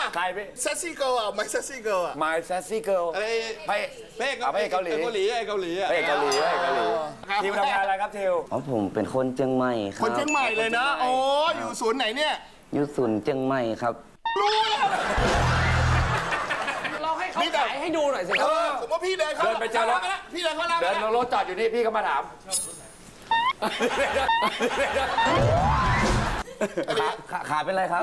ใครพี่เซ็กซี่เกิร์ลอ่ะไม่เซ็กซี่เกิร์ลอ่ะ My Sassy Girl เพ่เกาหลีทิวทำงานอะไรครับทิวผมเป็นคนเชียงใหม่ครับคนเชียงใหม่เลยนะโอ้อยู่ศูนย์ไหนเนี่ยอยู่ศูนย์เชียงใหม่ครับรู้แล้วเราให้เขาขายให้ดูหน่อยสิครับสมมติพี่เดินเข้าไปเจอรถพี่เดินเข้าร้านเดินรถจอดอยู่นี่พี่ก็มาถามขาเป็นไรครับ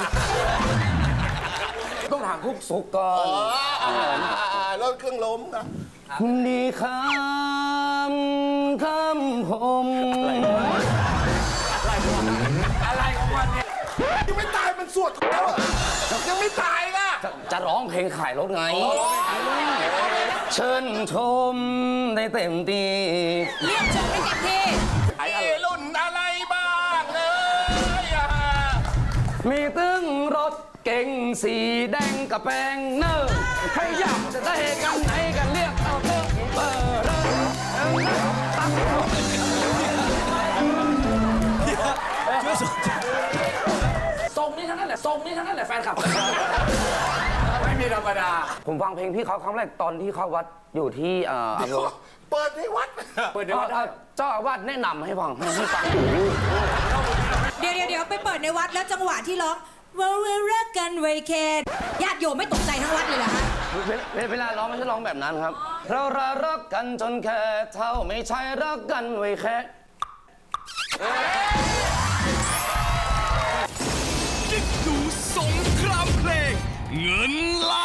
ต้องถามคุกสุกก่อนรถเครื่องล้มนะดีคำผมอะไรของมันเนี่ยยังไม่ตายมันสวดแล้วยังไม่ตายนะจะร้องเพลงขายรถไงเชิญชมได้เต็มที่เรียกชมได้เต็มที่ไอ้รุ่นอะไรบ้างมีตึ้งรถเก๋งสีแดงกับแปงเนอร์ใครอยากจะได้กันไหนกันเรียกเอาเถอะเบอร์ทรงนี้ทั้งนั้นแหละแฟนคลับไม่มีธรรมดาผมฟังเพลงพี่เขาครั้งแรกตอนที่เข้าวัดอยู่ที่เปิดในวัดเจ้าอาวาสแนะนำให้ฟังเดี๋ยวไปเปิดในวัดแล้วจังหวะที่ร้องว่ารักกันไว้แค่ญาติโยมไม่ตกใจทั้งวัดเลยเหรอฮะเวลาร้องไม่ใช่ร้องแบบนั้นครับเรารักกันจนแค่เท่าไม่ใช่รักกันไว้แค่กิ๊กดูสงครามเพลงเงินล้าน